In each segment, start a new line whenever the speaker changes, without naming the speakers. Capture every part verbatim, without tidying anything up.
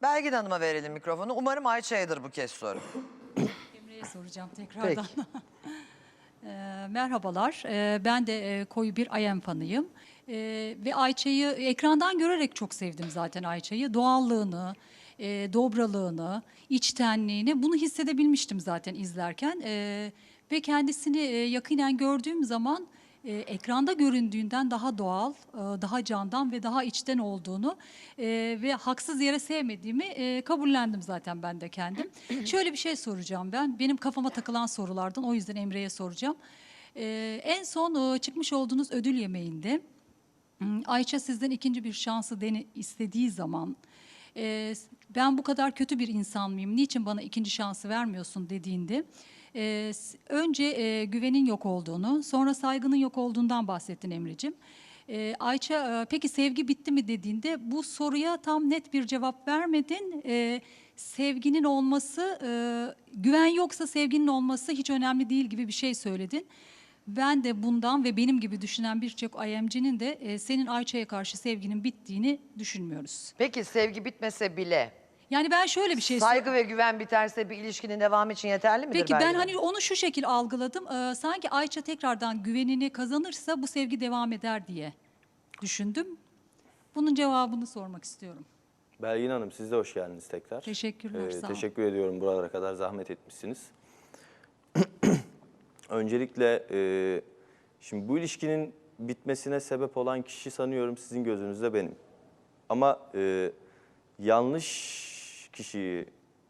Belgin Hanım'a verelim mikrofonu. Umarım Ayça'yadır bu kez soru.
Emre'ye soracağım tekrardan. e, merhabalar, e, ben de e, koyu bir Ayem fanıyım. E, ve Ayça'yı ekrandan görerek çok sevdim zaten Ayça'yı. Doğallığını, e, dobralığını, içtenliğini bunu hissedebilmiştim zaten izlerken. E, ve kendisini e, yakinen gördüğüm zaman e, ekranda göründüğünden daha doğal, e, daha candan ve daha içten olduğunu e, ve haksız yere sevmediğimi e, kabullendim zaten ben de kendim. Şöyle bir şey soracağım ben. Benim kafama takılan sorulardan, o yüzden Emre'ye soracağım. E, en son e, çıkmış olduğunuz ödül yemeğinde hmm, Ayça sizden ikinci bir şansı dene, istediği zaman e, ben bu kadar kötü bir insan mıyım, niçin bana ikinci şansı vermiyorsun dediğinde e, s- önce e, güvenin yok olduğunu, sonra saygının yok olduğundan bahsettin Emre'cim. E, Ayça e, peki sevgi bitti mi dediğinde bu soruya tam net bir cevap vermedin. E, sevginin olması, e, güven yoksa sevginin olması hiç önemli değil gibi bir şey söyledin. Ben de bundan ve benim gibi düşünen birçok I M'cinin de e, senin Ayça'ya karşı sevginin bittiğini düşünmüyoruz.
Peki sevgi bitmese bile
Yani ben şöyle bir şey
saygı ve güven biterse bir ilişkinin devamı için yeterli midir
Peki ben
Belgin
hani
Hanım?
onu şu şekil algıladım. Ee, sanki Ayça tekrardan güvenini kazanırsa bu sevgi devam eder diye düşündüm. Bunun cevabını sormak istiyorum.
Belgin Hanım, siz de hoş geldiniz tekrar.
Teşekkürler, sağ olun.
Teşekkür ediyorum, buralara kadar zahmet etmişsiniz. Öncelikle e, şimdi bu ilişkinin bitmesine sebep olan kişi sanıyorum sizin gözünüzde benim. Ama e, yanlış kişiyi,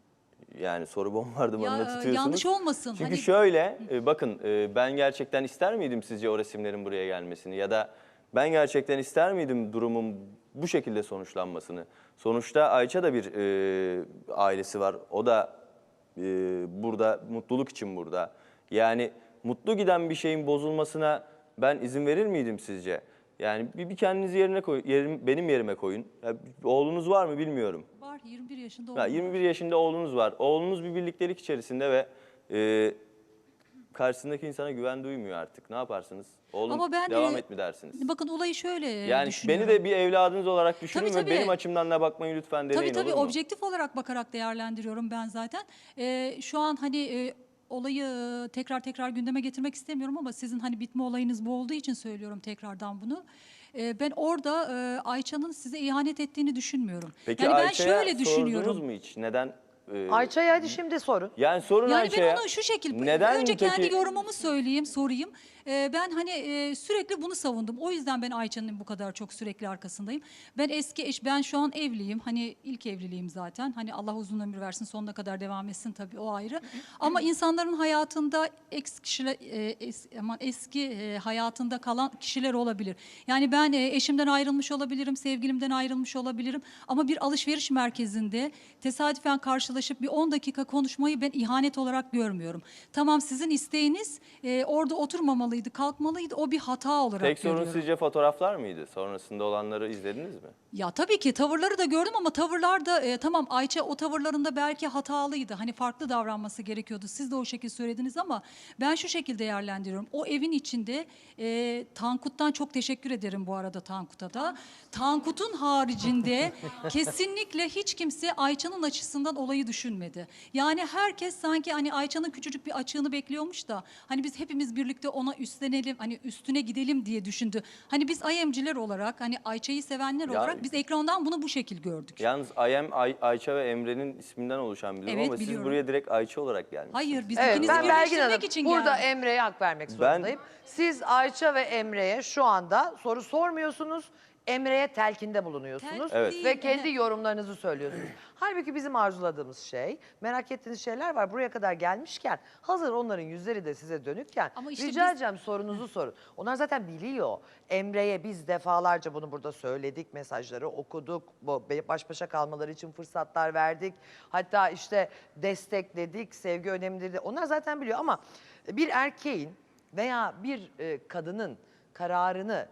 yani soru bombardımanına
Ya, e,
tutuyorsunuz.
yanlış olmasın,
Çünkü
hani-
şöyle, e, bakın e, ben gerçekten ister miydim sizce o resimlerin buraya gelmesini? Ya da ben gerçekten ister miydim durumun bu şekilde sonuçlanmasını? Sonuçta Ayça da bir e, ailesi var. O da e, burada, mutluluk için burada. Yani mutlu giden bir şeyin bozulmasına ben izin verir miydim sizce? Yani bir, bir kendinizi yerine koy, yerim, benim yerime koyun. Ya, oğlunuz var mı bilmiyorum.
Var, yirmi bir yaşında
Ya,
oğlum var.
yirmi bir yaşında oğlunuz var. Oğlunuz bir birliktelik içerisinde ve e, karşısındaki insana güven duymuyor artık. Ne yaparsınız? Oğlum
Ama ben
devam
e,
et mi dersiniz?
bakın olayı şöyle e,
Yani
düşünüyorum.
beni de bir evladınız olarak düşünün
Tabii,
ve
tabii.
benim açımdan da bakmayı lütfen deneyin,
Tabii tabii
olur mu?
objektif olarak bakarak değerlendiriyorum ben zaten. Ee, şu an hani e, olayı e, tekrar tekrar gündeme getirmek istemiyorum ama sizin hani bitme olayınız bu olduğu için söylüyorum tekrardan bunu. Ee, ben orada e, Ayça'nın size ihanet ettiğini düşünmüyorum.
Peki
yani ben
Ayça'ya
şöyle düşünüyorum.
sordunuz mu hiç? Neden? e,
Ayça'ya hadi şimdi sorun.
Yani sorun
Yani
Ayça'ya.
ben onu şu şekil,
Neden
önce kendi
peki?
yorumumu söyleyeyim, sorayım. Ee, ben hani e, sürekli bunu savundum. O yüzden ben Ayça'nın bu kadar çok sürekli arkasındayım. Ben eski eş, ben şu an evliyim. Hani ilk evliliğim zaten. Hani Allah uzun ömür versin, sonuna kadar devam etsin tabii, o ayrı. Ama insanların hayatında ex kişiler, e, es, aman eski e, hayatında kalan kişiler olabilir. Yani ben e, eşimden ayrılmış olabilirim, sevgilimden ayrılmış olabilirim. Ama bir alışveriş merkezinde tesadüfen karşılaşıp bir on dakika konuşmayı ben ihanet olarak görmüyorum. Tamam, sizin isteğiniz e, orada oturmamalıydı, kalkmalıydı. O bir hata olarak
Tek sorun
görüyorum.
sizce fotoğraflar mıydı? Sonrasında olanları izlediniz mi?
Ya tabii ki tavırları da gördüm ama tavırlar da e, tamam, Ayça o tavırlarında belki hatalıydı. Hani farklı davranması gerekiyordu. Siz de o şekilde söylediniz ama ben şu şekilde değerlendiriyorum. O evin içinde e, Tankut'tan çok teşekkür ederim bu arada, Tankut'a da. Tankut'un haricinde kesinlikle hiç kimse Ayça'nın açısından olayı düşünmedi. Yani herkes sanki hani Ayça'nın küçücük bir açığını bekliyormuş da hani biz hepimiz birlikte ona üstlenelim, hani üstüne gidelim diye düşündü. Hani biz I M'ciler olarak, hani Ayça'yı sevenler
Ya-
olarak biz ekrandan bunu bu şekil gördük.
Yalnız Ayem, Ay, Ayça ve Emre'nin isminden oluşan bir durum
Evet,
ama siz
biliyorum.
buraya direkt Ayça olarak gelmişsiniz.
Hayır, biz
Evet,
ikinizi
ben Belgin
birleştirmek
Hanım
için
burada
geldik.
Emre'ye hak vermek zorundayım. Siz Ayça ve Emre'ye şu anda soru sormuyorsunuz. Emre'ye telkinde bulunuyorsunuz
Telkin
Evet.
değil,
ve kendi
evet.
yorumlarınızı söylüyorsunuz. Halbuki bizim arzuladığımız şey, merak ettiğiniz şeyler var. Buraya kadar gelmişken, hazır onların yüzleri de size dönükken
Ama işte
rica
biz-
edeceğim, sorunuzu sorun. Onlar zaten biliyor. Emre'ye biz defalarca bunu burada söyledik, mesajları okuduk, bu baş başa kalmaları için fırsatlar verdik. Hatta işte destekledik, sevgi önemlidir de. Onlar zaten biliyor ama bir erkeğin veya bir e, kadının kararını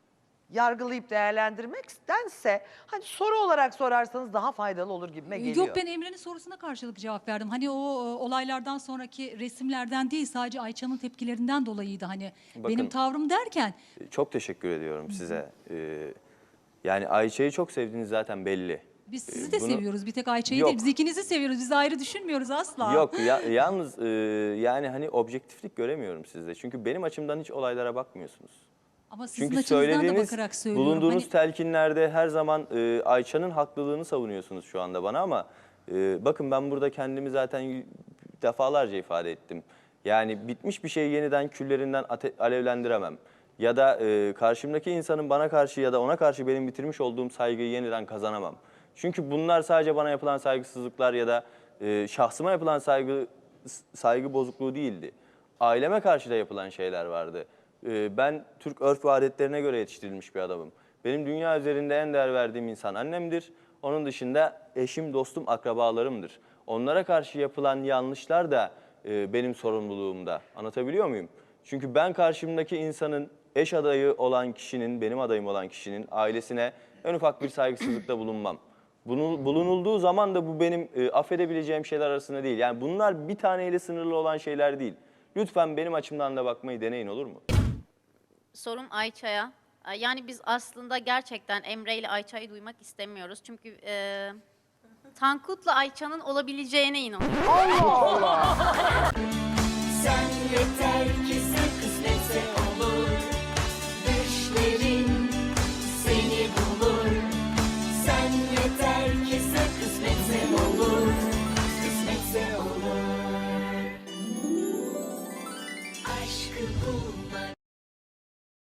yargılayıp değerlendirmektense hani soru olarak sorarsanız daha faydalı olur gibime geliyor.
Yok, ben Emre'nin sorusuna karşılık cevap verdim. Hani o e, olaylardan sonraki resimlerden değil, sadece Ayça'nın tepkilerinden dolayıydı hani
Bakın-
benim tavrım derken.
Çok teşekkür ediyorum size. Ee, yani Ayça'yı çok sevdiğiniz zaten belli.
Biz sizi de
bunu-
seviyoruz. Bir tek Ayça'yı
Yok.
değil. Biz ikinizi seviyoruz. Biz ayrı düşünmüyoruz asla.
Yok ya, yalnız e, yani hani objektiflik göremiyorum sizde. Çünkü benim açımdan hiç olaylara bakmıyorsunuz.
Ama sizin
Çünkü
açınızdan da
söylediğiniz,
bakarak söylüyorum.
bulunduğunuz
Hani-
telkinlerde her zaman e, Ayça'nın haklılığını savunuyorsunuz şu anda bana ama e, bakın ben burada kendimi zaten y- defalarca ifade ettim. Yani bitmiş bir şeyi yeniden küllerinden ate- alevlendiremem. Ya da e, karşımdaki insanın bana karşı ya da ona karşı benim bitirmiş olduğum saygıyı yeniden kazanamam. Çünkü bunlar sadece bana yapılan saygısızlıklar ya da e, şahsıma yapılan saygı saygı bozukluğu değildi. Aileme karşı da yapılan şeyler vardı. Ee, Ben Türk örf ve adetlerine göre yetiştirilmiş bir adamım. Benim dünya üzerinde en değer verdiğim insan annemdir. Onun dışında eşim, dostum, akrabalarımdır. Onlara karşı yapılan yanlışlar da e, benim sorumluluğumda. Anlatabiliyor muyum? Çünkü ben karşımdaki insanın eş adayı olan kişinin, benim adayım olan kişinin ailesine en ufak bir saygısızlıkta bulunmam. Bunu, bulunulduğu zaman da bu benim e, affedebileceğim şeyler arasında değil. Yani bunlar bir taneyle sınırlı olan şeyler değil. Lütfen benim açımdan da bakmayı deneyin, olur mu?
Sorum Ayça'ya. Ee, Yani biz aslında gerçekten Emre ile Ayça'yı duymak istemiyoruz. Çünkü e, Tankut'la Ayça'nın olabileceğine inanıyoruz.
Allah Allah.